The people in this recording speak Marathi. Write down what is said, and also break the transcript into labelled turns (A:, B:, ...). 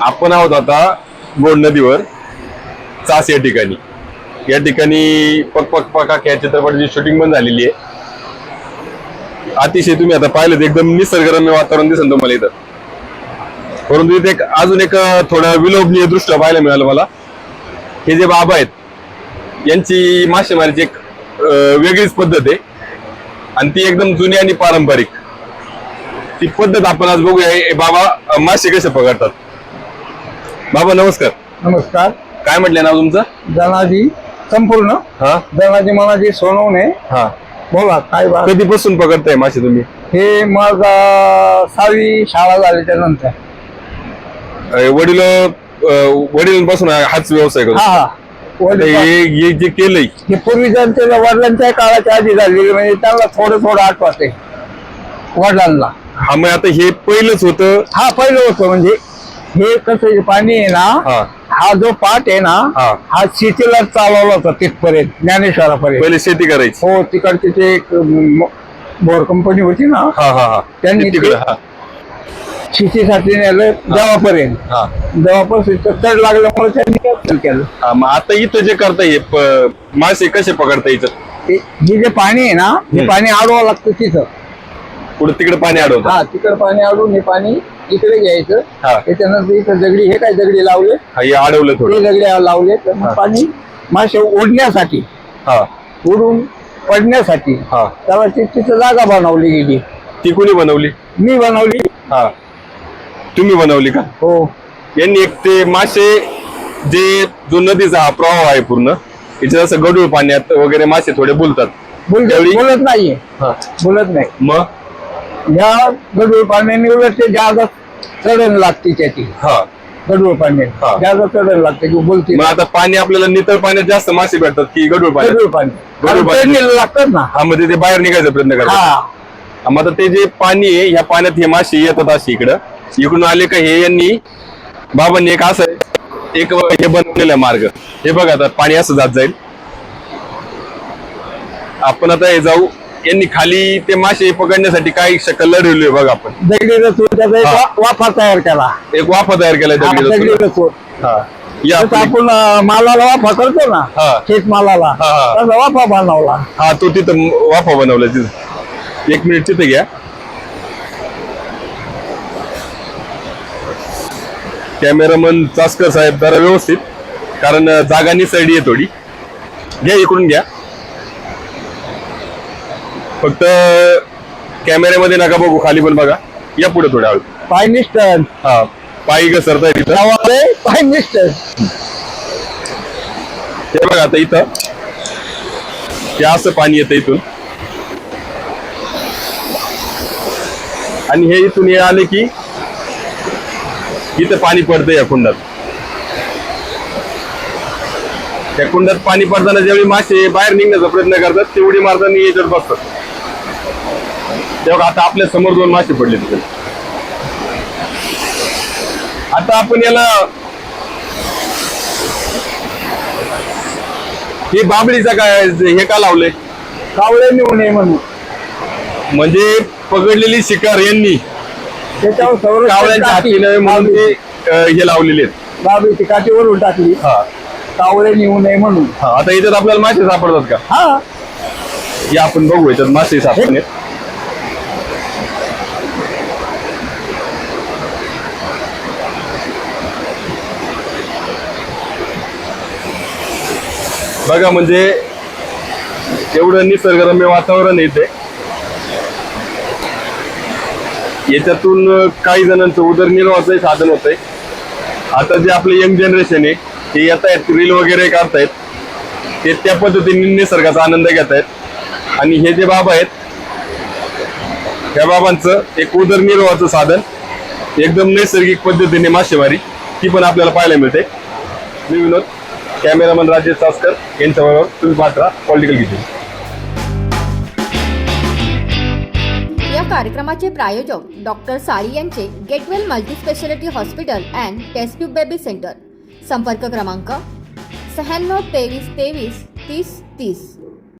A: आपण आहोत आता गोंड नदीवर चास या ठिकाणी. या ठिकाणी पक पक पकाक या चित्रपटाची शूटिंग पण झालेली आहे. अतिशय तुम्ही आता पाहिलं एकदम निसर्गरम्य वातावरण दिसेल तुम्हाला इथं. परंतु इथे अजून एक थोडं विलोभनीय दृश्य पाहायला मिळालं मला. हे जे बाबा आहेत यांची मासेमारीची एक वेगळीच पद्धत आहे आणि ती एकदम जुनी आणि पारंपरिक ती पद्धत आपण आज बघूया. बाबा मासे कसे पकडतात. बाबा नमस्कार.
B: नमस्कार.
A: काय म्हटले नाव तुमचं?
B: धनाजी संपूर्ण.
A: हा
B: धनाजी मनाजी सोनवणे.
A: हा
B: बोला काय बात.
A: कधीपासून पकडताय मासे तुम्ही? हे
B: मग 6वी शाळा झाल्याच्या नंतर
A: वडिलांपासून हाच व्यवसाय करतो.
B: हा
A: हे जे केलंय
B: हे पूर्वीच्या वडिलांच्या काळाच्या आधी झालेली, म्हणजे त्यांना थोडं थोडं आठवते वडिलांना.
A: हा मग आता हे पहिलंच होतं.
B: हा पहिलं होतं. म्हणजे हे कसं पाणी आहे ना, हा जो पाट आहे ना, हा शेतीला चालवला होता तिथपर्यंत ज्ञानेश्वरापर्यंत.
A: पहिले शेती करायची.
B: हो तिकडची ते एक बोर कंपनी होती ना, त्यांनी
A: तिकडे
B: शेतीसाठी नेलं देवापर्यंत. देवापासून चढ लागल्यामुळे त्यांनी कॅन्सल केलं.
A: मग आता इथं जे करताय मासे कसे पकडता इथं?
B: हे जे पाणी आहे ना, हे पाणी अडवावं लागतं तिथं.
A: पुढे तिकडे पाणी अडवतं.
B: हा तिकडे पाणी अडवून हे पाणी इकडे घ्यायचं. त्याच्यानंतर इथं दगडी, हे काय दगडी लावले,
A: हे अडवलं थोडं
B: दगडी लावले तर पाणी मासे उडण्यासाठी, उडून पडण्यासाठी त्याला तिथं जागा बनवली गेली.
A: ती कोणी बनवली?
B: मी बनवली.
A: तुम्ही बनवली का?
B: हो.
A: यांनी एक ते मासे जे जो नदीचा हा प्रवाह आहे पूर्ण याच्यात असं गढूळ पाण्यात वगैरे मासे थोडे बोलतात.
B: बोलत नाहीये. बोलत नाही.
A: मग
B: या गढूळ पाण्याने उलट ते जागा चढण लागते त्याची. गढूळ पाण्याने जागा चढण लागते की बोलते.
A: मग आता पाणी आपल्याला नितळ पाण्यात जास्त मासे भेटतात की गढूळ पाण्यात?
B: गढूळ पाणी लागतात ना.
A: मध्ये ते बाहेर निघायचा प्रयत्न करतात. मग आता ते जे पाणी आहे ह्या पाण्यात हे मासे येतात असे इकडून आले का हे यांनी बाबांनी एक असं एक हे बनवलेला मार्ग. हे बघा आता पाणी असं जात जाईल. आपण आता हे जाऊ. यांनी खाली ते मासे पकडण्यासाठी काही शकल लढवली बघा. आपण
B: दगडी रचून वाफा तयार केला. एक
A: वाफा तयार केला दगडी रचून.
B: आपण मालाला वाफा करतो ना, शेतमालाला, त्याचा वाफा बनवला.
A: तो तिथं वाफा बनवला तिथं. 1 मिनिट तिथे घ्या. कॅमेरामन चासकर साहेब जरा व्यवस्थित, कारण जागा निसरडी आहे थोडी. घ्या इकडून घ्या. फक्त कॅमेऱ्यामध्ये नका बघू, खाली पण बघा. या पुढे थोड्या हळू.
B: पाय निष्ठन.
A: पायी घसरताय तिथं.
B: पाय निष्ठन.
A: हे बघा आता इथं हे असं पाणी येतं इथून आणि हे इथून हे आले की इथं पाणी पडतं या कुंडात. त्या कुंडात पाणी पडताना ज्यावेळी मासे बाहेर निघण्याचा प्रयत्न करतात तेवढी मारताना याच्यात बसतात. तेव्हा आता आपल्या समोर 2 मासे पडले तिथे. आता आपण याला हे बाबळीचा काय हे का लावलंय?
B: कावळे नेऊ नये म्हणून.
A: म्हणजे पकडलेली शिकार यांनी
B: त्याच्यावर
A: कावळ्यांच्या हाती नये म्हणून ते हे लावलेले आहेत.
B: बाबळीची काठीवरून टाकली. कावळे नेऊ नये म्हणून.
A: आता याच्यात आपल्याला मासे सापडतात का? हे आपण बघू. याच्यात मासे सापडणे. बघा म्हणजे एवढं निसर्गरम्य वातावरण येते. याच्यातून काही जणांचं उदरनिर्वाहाचं साधन होत आहे. आता जे आपले यंग जनरेशन आहे ते येत आहेत, रील वगैरे काढतायत, ते त्या पद्धतीने निसर्गाचा आनंद घेत आहेत. आणि हे जे बाबा आहेत त्या बाबांचं एक उदरनिर्वाहाचं साधन एकदम नैसर्गिक पद्धतीने मासेमारी ती पण आपल्याला पाहायला मिळते. मी विनोद, कॅमेरामन राजेश चासकर यांच्याबरोबर तुम्ही पाहता पॉलिटिकल किचन.
C: या कार्यक्रमाचे प्रायोजक डॉक्टर साळी यांचे get well multispeciality hospital and test tube baby centre. संपर्क क्रमांक 96 23 23 30 30.